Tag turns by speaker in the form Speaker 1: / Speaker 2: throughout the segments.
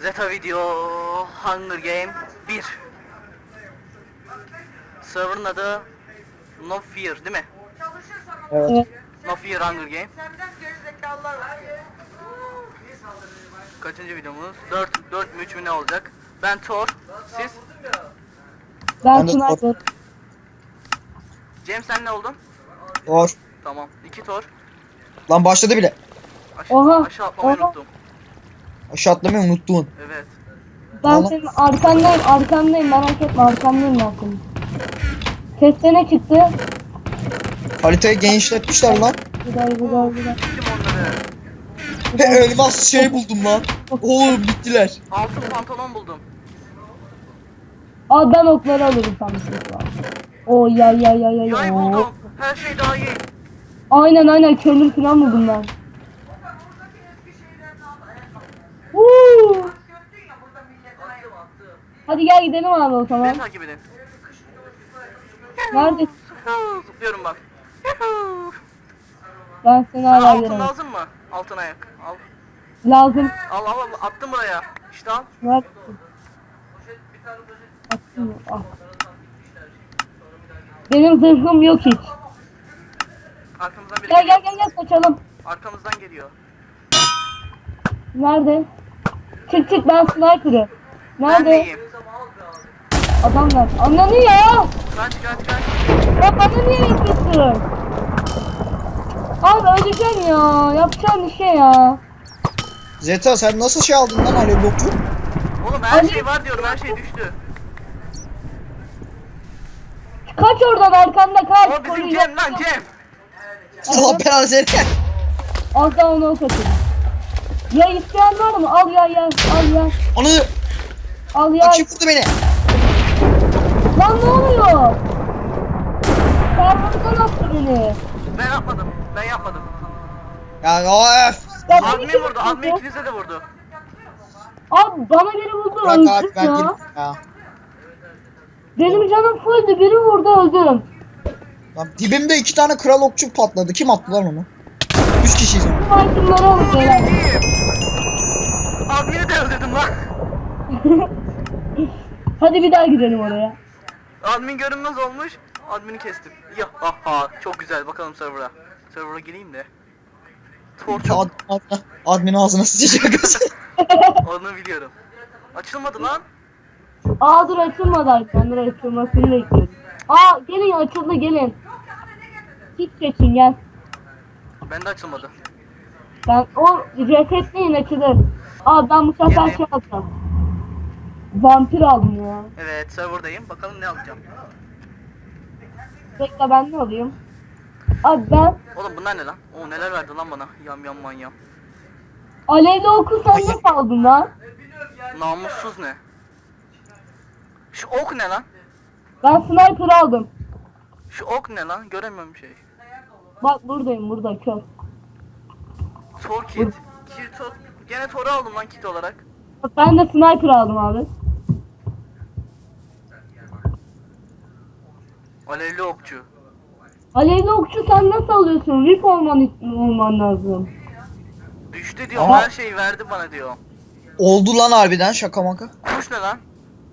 Speaker 1: Zeta Video Hunger Game 1. Server'ın adı No Fear değil mi?
Speaker 2: Evet.
Speaker 1: No Fear Hunger Game. Kaçıncı videomuz? 4 mü 3 mü ne olacak? Ben Thor, siz?
Speaker 2: Ben
Speaker 3: Ben de
Speaker 2: sniper.
Speaker 1: Cem sen ne oldun?
Speaker 3: Doğru.
Speaker 1: Tamam. 2 Thor.
Speaker 3: Lan başladı bile.
Speaker 2: Oha,
Speaker 1: Aşağı atlamayı
Speaker 2: oha.
Speaker 1: unuttum.
Speaker 3: Aşağı atlamayı unuttun.
Speaker 1: Evet.
Speaker 2: Ben
Speaker 3: Vallahi-
Speaker 2: senin arkandayım merak etme arkandayım ben senin. Seste ne çıktı?
Speaker 3: Haritayı genişletmişler lan.
Speaker 2: Güzel.
Speaker 1: Gittim onları.
Speaker 3: Ve elmas şey buldum lan. Oğlum bittiler.
Speaker 1: Altın pantolon buldum.
Speaker 2: Aa ben okları alırım sanmıştım şu an. O ya.
Speaker 1: Yay buldum. Her şey daha iyi.
Speaker 2: Aynen kömür falan buldum ben. Woo! Hadi gel gidelim abi o zaman.
Speaker 1: Beni takip edin.
Speaker 2: Nerede?
Speaker 1: Zıplıyorum bak.
Speaker 2: Ben seni
Speaker 1: Sana
Speaker 2: hala
Speaker 1: altın
Speaker 2: göremem.
Speaker 1: lazım mı? Altın ayak. Al.
Speaker 2: Lazım.
Speaker 1: Al attım buraya. İşte al.
Speaker 2: Ver. Attım mı? Ah. Benim zırhım yok hiç.
Speaker 1: Arkamızdan biri
Speaker 2: Gel
Speaker 1: geliyor.
Speaker 2: gel kaçalım.
Speaker 1: Arkamızdan geliyor.
Speaker 2: Nerede? Çık ben sniper'ım.
Speaker 1: Ben
Speaker 2: Nerede?
Speaker 1: neyim?
Speaker 2: Adamlar. Ananı ya.
Speaker 1: Kaç.
Speaker 2: Ya bana niye yapıyorsun? Abi öleceğim ya. Yapacağım bir şey ya.
Speaker 3: Zeta sen nasıl şey aldın lan alev blokçu?
Speaker 1: Oğlum her
Speaker 2: Ali-
Speaker 1: şey var diyorum, her şey düştü.
Speaker 2: Kaç oradan arkanda kaç.
Speaker 1: O bizim Cem lan Cem.
Speaker 3: Allah belanı seni.
Speaker 2: Az daha onu ok atayım. Ya isteyen var mı? Al ya.
Speaker 3: Onu
Speaker 2: Al ya.
Speaker 3: kim vurdu beni?
Speaker 2: Lan ne oluyor? Sen buradan attı beni.
Speaker 1: Ben yapmadım.
Speaker 3: Ya öf.
Speaker 2: Ya
Speaker 1: Admin
Speaker 2: kim
Speaker 1: vurdu, admin ikinize de vurdu.
Speaker 2: Abi bana biri vurdu
Speaker 3: Bırak
Speaker 2: öldüm
Speaker 3: abi ben
Speaker 2: ya.
Speaker 3: girdim ya.
Speaker 2: Benim canım fulldü biri vurdu öldüm.
Speaker 3: Lan dibimde 2 tane kral okçu patladı. Kim attı lan onu? 3 kişiyiz ama.
Speaker 2: Bu itemleri alıp gelen.
Speaker 1: Admini de öldürdüm lan.
Speaker 2: Hadi bir daha gidelim oraya.
Speaker 1: Admin görünmez olmuş. Admini kestim. Ya aha çok güzel, bakalım server'a. Server'a gireyim de. Thor çok
Speaker 3: Admin ağzına sıçacak.
Speaker 1: onu biliyorum. Açılmadı lan.
Speaker 2: Aa dur açılmadı arkamdan açılmasını bekliyorum. Aa gelin açıldı gelin. Hiç seçin gel.
Speaker 1: Bende açılmadı.
Speaker 2: Ben o resetleyin açılır. Aa ben bu sefer
Speaker 1: Gelin.
Speaker 2: şey alacağım. Vampir aldım ya.
Speaker 1: Evet, server'dayım. Bakalım ne alacağım.
Speaker 2: Bekle ben ne alayım? Abi ben
Speaker 1: Oğlum bunlar ne lan? Oo neler verdi lan bana. Yam manyam.
Speaker 2: alevli oku sen nasıl aldın lan?
Speaker 1: Namussuz ne? Şu ok ne lan?
Speaker 2: Ben sniper aldım.
Speaker 1: Şu ok ne lan? Göremiyorum şey.
Speaker 2: Bak buradayım burada kör.
Speaker 1: Thor kit. Gene Thor'u aldım lan kit olarak.
Speaker 2: Bak ben de sniper aldım abi.
Speaker 1: Alevli okçu.
Speaker 2: Alevli okçu sen nasıl alıyorsun? Rip olman lazım.
Speaker 1: Düştü diyor,
Speaker 3: Ama-
Speaker 1: her şeyi verdi bana diyor.
Speaker 3: Oldu lan harbiden şaka maka.
Speaker 1: Kuş ne lan?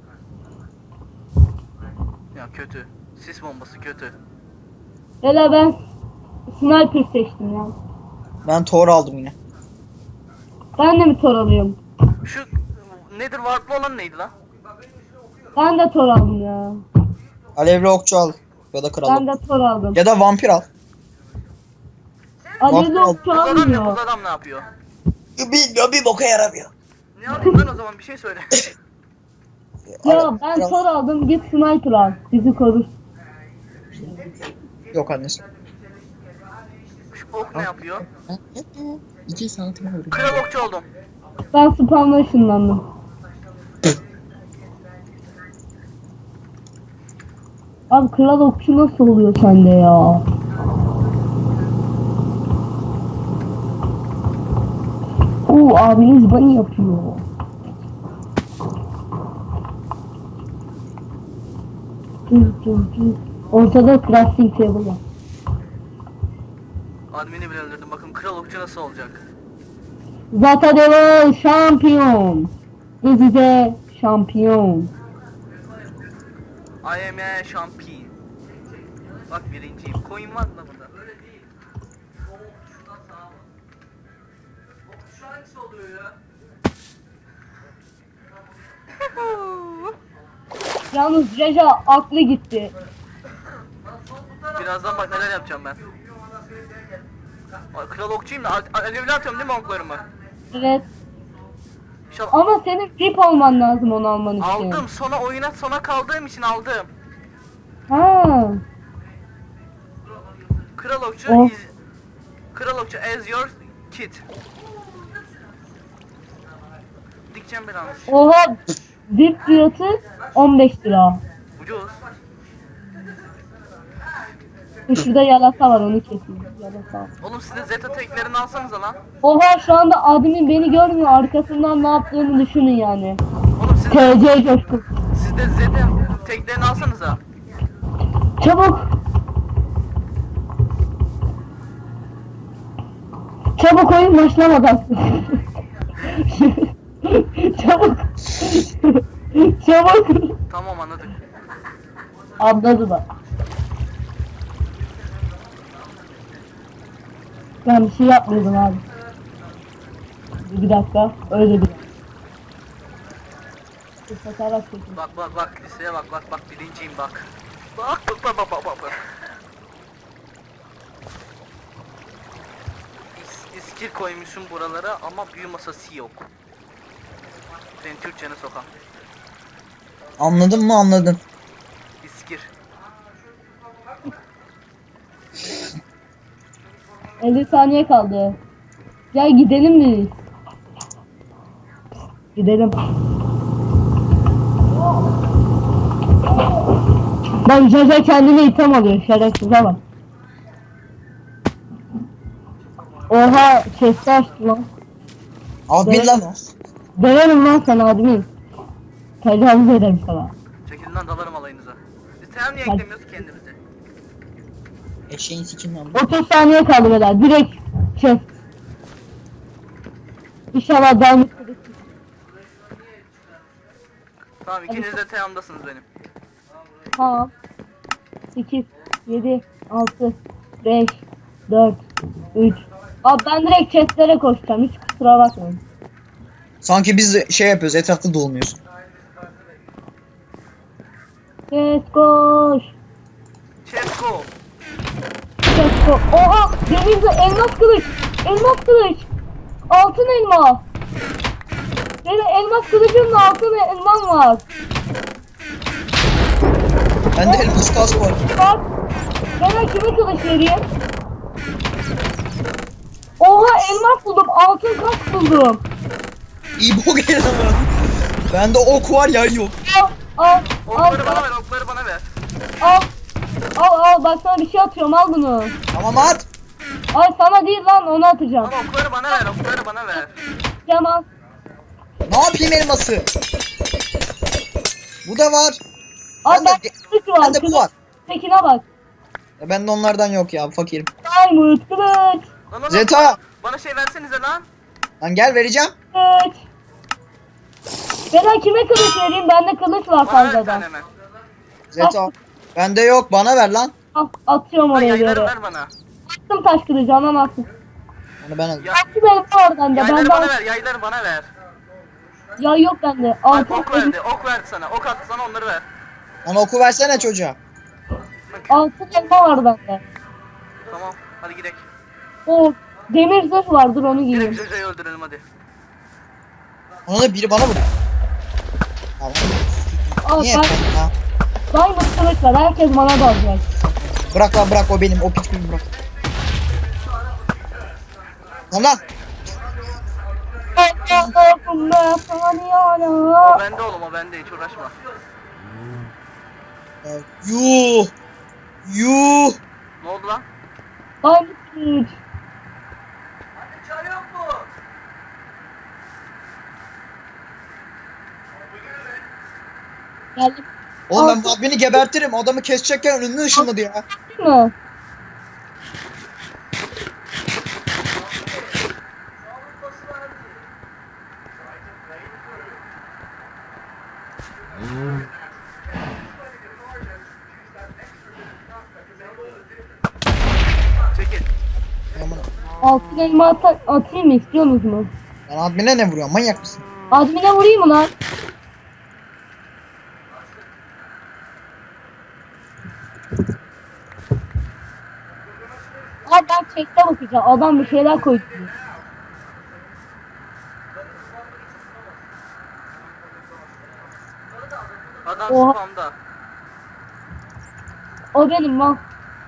Speaker 1: Ya kötü. Sis bombası kötü.
Speaker 2: Hele ben sniper seçtim ya.
Speaker 3: Ben Thor aldım yine.
Speaker 2: Ben de mi tor alıyorum?
Speaker 1: Şu nedir warplı olan neydi lan?
Speaker 2: Ben de tor aldım ya.
Speaker 3: Alevli okçu al. Ya da kral.
Speaker 2: Ben de tor aldım.
Speaker 3: Ya da vampir al.
Speaker 2: Alevli
Speaker 3: Bak-
Speaker 2: okçu
Speaker 1: Buz adam ne?
Speaker 2: almıyor.
Speaker 1: Buz adam ne yapıyor?
Speaker 3: Bilmiyorum bir boka yaramıyor.
Speaker 1: Ne alayım ben o zaman, bir şey söyle.
Speaker 2: Ya ben tor aldım git sniper al. Bizi korur.
Speaker 3: Yok annesi.
Speaker 1: Şu ok ne yapıyor?
Speaker 3: 2 santim öyle.
Speaker 1: Kral okçu oldum.
Speaker 2: Ben spawn'a ışınlandım. Abi kral okçu nasıl oluyor sende ya? Oo abiniz bana yapıyor. Ortada crafting table var.
Speaker 1: Admini bile öldürdüm. Bakın kral okçu nasıl olacak?
Speaker 2: Zata Devil şampiyon. Dizide şampiyon.
Speaker 1: I am a champion. Bak birinciyim. Coin var mı lan burada? Şu hangisi oluyor ya?
Speaker 2: Yalnız Reja aklı gitti.
Speaker 1: Birazdan bak neler yapacağım ben. Ay, kral okçuyum da alevli atıyorum değil mi oklarımı?
Speaker 2: Evet.
Speaker 1: İnşallah.
Speaker 2: Ama senin VIP olman lazım onu alman için.
Speaker 1: Aldım sona kaldığım için aldım.
Speaker 2: Ha.
Speaker 1: Kral okçu
Speaker 2: Oh.
Speaker 1: Kral okçu as your kid. Dikeceğim bir an.
Speaker 2: Oha. VIP fiyatı 15 lira.
Speaker 1: Ucuz.
Speaker 2: Şurada yalasa var onu keseyim. Yalasa.
Speaker 1: Oğlum siz de Zeta teklerini alsanıza lan.
Speaker 2: Oha şu anda admin beni görmüyor. Arkasından ne yaptığını düşünün yani.
Speaker 1: Oğlum
Speaker 2: TC coşkun.
Speaker 1: siz de Zeta teklerini alsanıza.
Speaker 2: Çabuk. Çabuk oyun başlamadan. Çabuk. Çabuk.
Speaker 1: Tamam anladık.
Speaker 2: Anladı da. Ben bir şey yapmıyordum abi. Bir dakika. Öyle bir. Fotoğraf çekin.
Speaker 1: Bak listeye bak birinciyim bak. Bak. İskir koymuşum buralara ama büyü masası yok. Senin Türkçeni sokan.
Speaker 3: Anladın mı? Anladın.
Speaker 1: İskir.
Speaker 2: 50 saniye kaldı. Gel gidelim biz. Gidelim. Bak Jaja kendine itham alıyor. Şerefsize bak. Oha chest'i açtı lan.
Speaker 3: Admin
Speaker 2: Evet.
Speaker 3: lan o.
Speaker 2: Döverim lan sen admin. Tecavüz ederim sana.
Speaker 1: Çekilin lan dalarım alayınıza. Biz hem niye eklemiyoruz ki kendimizi?
Speaker 3: Eşeğin sikim lan.
Speaker 2: 30 saniye kaldı beyler. Direkt chest. İnşallah devam ederiz.
Speaker 1: Tamam ikiniz de teyamdasınız benim.
Speaker 2: Tamam. 8, 7, 6, 5, 4, 3. Abi ben direkt chestlere koşacağım. Hiç kusura bakmayın.
Speaker 3: Sanki biz de şey yapıyoruz, etrafta dolanıyoruz.
Speaker 2: Chest koş.
Speaker 1: Çesko.
Speaker 2: Chest koş. Oha! Denizde elmas kılıç. Elmas kılıç. Altın elma. Benim elmas kılıcımla altın elmam var.
Speaker 3: Bende elmas kask var.
Speaker 2: Bak. Ben kime kılıç vereyim? Oha elmas buldum. Altın kask buldum.
Speaker 3: İyi bok yedim ben. Bende ok var, yay yok.
Speaker 2: Al.
Speaker 1: Okları bana ver, okları bana ver.
Speaker 2: Al. Al bak sana bir şey atıyorum al bunu.
Speaker 3: Tamam at.
Speaker 2: Ay sana değil lan onu atacağım.
Speaker 1: Ama okları bana ver, okları bana ver.
Speaker 2: Tamam.
Speaker 3: Ne yapayım elması? Bu da var.
Speaker 2: Ay
Speaker 3: Ben de-
Speaker 2: ben kılıç var.
Speaker 3: Bende bu var.
Speaker 2: Tekine bak.
Speaker 3: Bende onlardan yok ya, fakirim.
Speaker 2: Diamond kılıç.
Speaker 1: Lan
Speaker 3: Zeta.
Speaker 1: Bana şey versenize lan.
Speaker 3: Lan gel vereceğim.
Speaker 2: Kılıç. Ben kime kılıç vereyim? Bende kılıç var
Speaker 1: Bana ver bir
Speaker 2: fazladan.
Speaker 1: tane hemen.
Speaker 3: Zeta. Bende yok, bana ver lan.
Speaker 2: Al atıyorum
Speaker 1: Lan
Speaker 2: oraya
Speaker 1: yayları
Speaker 2: göre.
Speaker 1: ver bana.
Speaker 2: Attım taş kılıcı anan atsın.
Speaker 3: Onu ben alayım.
Speaker 1: Ya,
Speaker 2: Attım benim var bende.
Speaker 1: yayları
Speaker 2: Bende
Speaker 1: bana ver, yayları bana ver.
Speaker 2: ya yok bende.
Speaker 1: Bak
Speaker 2: Altın
Speaker 1: ok verdi, ok verdi sana. Ok attı sana onları ver.
Speaker 3: Lan oku versene çocuğa.
Speaker 2: altın elma var bende.
Speaker 1: Tamam, hadi gidelim.
Speaker 2: O demir zırh var dur onu
Speaker 1: Gidelim
Speaker 2: giyeyim.
Speaker 1: Joja'yı öldürelim hadi.
Speaker 3: Ona da biri bana vurdu. Tamam.
Speaker 2: Al
Speaker 3: Niye
Speaker 2: ben
Speaker 3: yapıyorsun ya?
Speaker 2: diamond kılıç var. Herkes bana dalacak.
Speaker 3: Bırak lan, bırak, o benim. O piç benim, bırak. Lan.
Speaker 1: O bende oğlum, o bende hiç uğraşma.
Speaker 3: Yuh. Yuh.
Speaker 1: Ne oldu lan?
Speaker 2: Diamond kılıç.
Speaker 1: Çare yok mu?
Speaker 2: Geldim.
Speaker 3: Oğlum ben
Speaker 2: Altın-
Speaker 3: beni gebertirim. Adamı kesecekken önüne ışınladı ya.
Speaker 2: Değil mi?
Speaker 1: Çekil.
Speaker 3: Aman.
Speaker 2: Altın elma atayım mı, istiyorsunuz mu?
Speaker 3: Lan admine ne vuruyor? Manyak mısın?
Speaker 2: Admine vurayım mı lan? Abi ben chest'e bakacağım. Adam bir şeyler koydu.
Speaker 1: Adam
Speaker 2: Oha.
Speaker 1: spamda.
Speaker 2: O benim lan.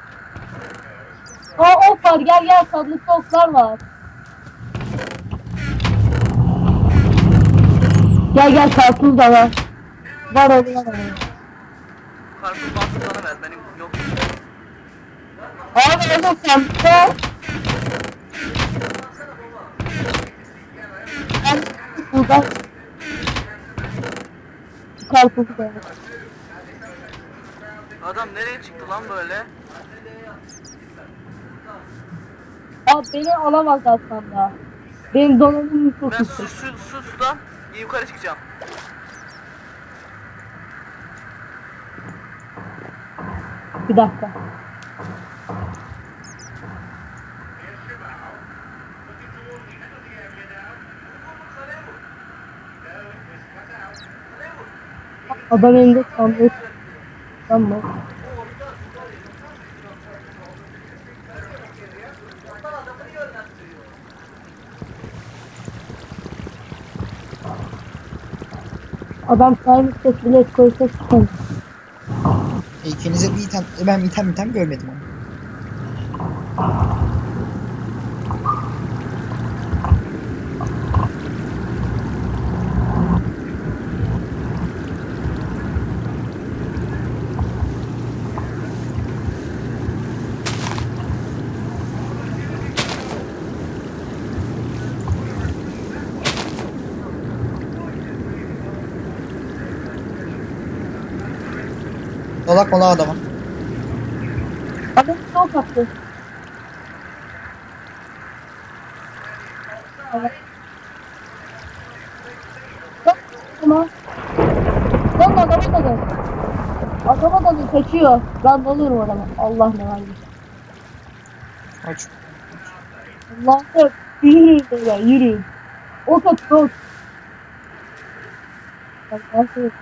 Speaker 2: Aa ok var, gel gel, sandıkta oklar var. Gel gel, karpuz da var. Var oğlum, var oğlum.
Speaker 1: Karpuz bantı bana ver. Benim yok.
Speaker 2: Abi o da sandıkta. Ben buradan karpuzu da var.
Speaker 1: Adam nereye çıktı lan böyle?
Speaker 2: Abi beni alamaz aslında. Benim donanımım çok
Speaker 1: Ben
Speaker 2: yüksek.
Speaker 1: sudan yukarı çıkacağım.
Speaker 2: Bir dakika. Adam elinde sandık. Tamam. Adam saymış ses bilet koysa çıkan.
Speaker 3: İkinize bir item, ben item görmedim ama. Dalak mala adama.
Speaker 2: Adam çok attı. Evet. Bak ama. Lan adama dalın. Adama dalın, kaçıyor. Ben dalıyorum adama. Allah ne var.
Speaker 3: Aç.
Speaker 2: Allah'ım. Yürüyün böyle, yürüyün. Ok at, ok. Allah'ım.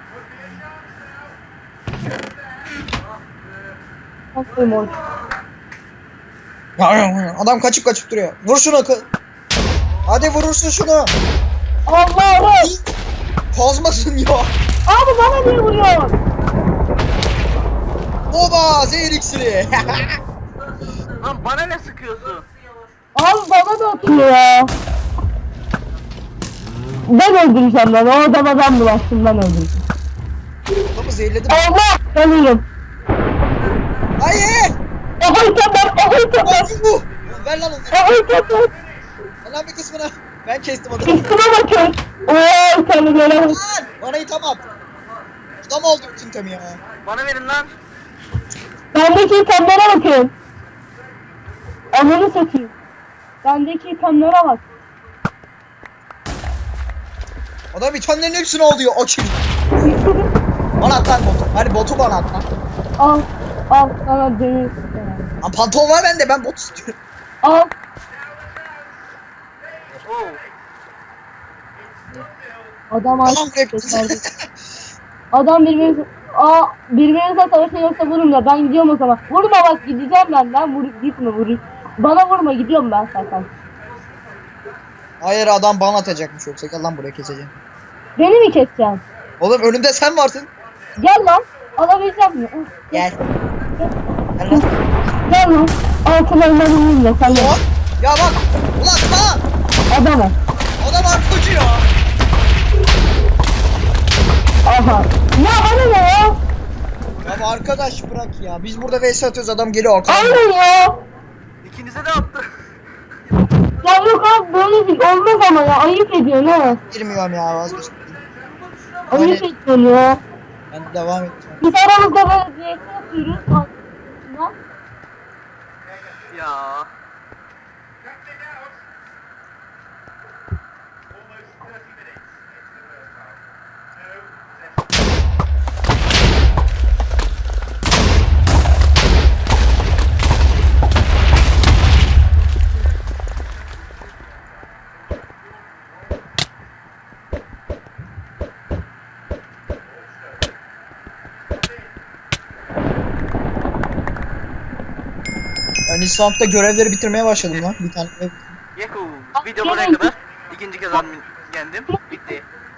Speaker 2: Aferin oğlum.
Speaker 3: Adam kaçıp duruyor. Vur şunu. Hadi vurursun şunu.
Speaker 2: Allah'ım.
Speaker 3: Kazmasın ya.
Speaker 2: Abi bana niye vuruyor?
Speaker 3: Oba zehir iksiri.
Speaker 1: Lan bana ne sıkıyorsun?
Speaker 2: Abi bana da atıyor ya. Ben öldüreceğim lan. O adama ben bulaştım, ben öldüreceğim.
Speaker 3: Adamı zehirledim.
Speaker 2: Allah! Ölüyorum.
Speaker 3: Hayır.
Speaker 2: Aha itemler! Aha itemler!
Speaker 3: Hadi bu. Ver lan onu.
Speaker 2: Aha itemler!
Speaker 3: Ver lan bir kısmını. Ben kestim adamı.
Speaker 2: Üstüme bakın. Ooo itemlere bak.
Speaker 3: Lan bana item at. Adam oldu bütün temi ya.
Speaker 1: Bana verin lan.
Speaker 2: Bendeki itemlere bakın. Ananı satayım. Bendeki itemlere bak.
Speaker 3: Adam itemlerin hepsini alıyor. O kim? Bana at lan botu. Hadi botu bana at lan.
Speaker 2: Al. Al sana demir.
Speaker 3: Lan pantolon var bende, ben bot istiyorum.
Speaker 2: Al.
Speaker 1: Oo.
Speaker 2: Adam
Speaker 3: Tamam
Speaker 2: artık
Speaker 3: rap.
Speaker 2: başardı. Adam birbirinize savaşın yoksa vurun da ben gidiyorum o zaman. Vurma bak, gideceğim ben gitme vurayım. Bana vurma, gidiyorum ben zaten.
Speaker 3: Hayır adam bana atacakmış yoksa gel lan buraya keseceğim.
Speaker 2: Beni mi keseceksin?
Speaker 3: Oğlum önümde sen varsın.
Speaker 2: Gel lan. Alabilecek misin?
Speaker 3: Gel. Gel lan.
Speaker 2: Gel lan. Altın elmanı da sen de.
Speaker 3: Ulan. Ya bak. Ulan lan.
Speaker 2: Adamı.
Speaker 3: Adam arkocu ya.
Speaker 2: Aha. Ya bana ne ya?
Speaker 3: Ya arkadaş bırak ya. Biz burada vs atıyoruz, adam geliyor arkadan.
Speaker 2: Aynen ya.
Speaker 1: İkinize de attı.
Speaker 2: Ya yok abi, böyle bir olmaz ama ya. Ayıp ediyorsun ha.
Speaker 3: Girmiyorum ya, vazgeçtim.
Speaker 2: Ayıp
Speaker 3: Öyle.
Speaker 2: ediyorsun ya.
Speaker 3: Ben devam edeceğim.
Speaker 2: Biz aramızda böyle bir yere yapıyoruz. Arkasından.
Speaker 1: Ya.
Speaker 3: Ben İslam'da görevleri bitirmeye başladım lan. Bir tane.
Speaker 1: Yahoo!
Speaker 2: Abi,
Speaker 1: Video
Speaker 2: gene
Speaker 1: buraya
Speaker 2: iki-
Speaker 1: kadar. İkinci kez admin yendim. Bitti.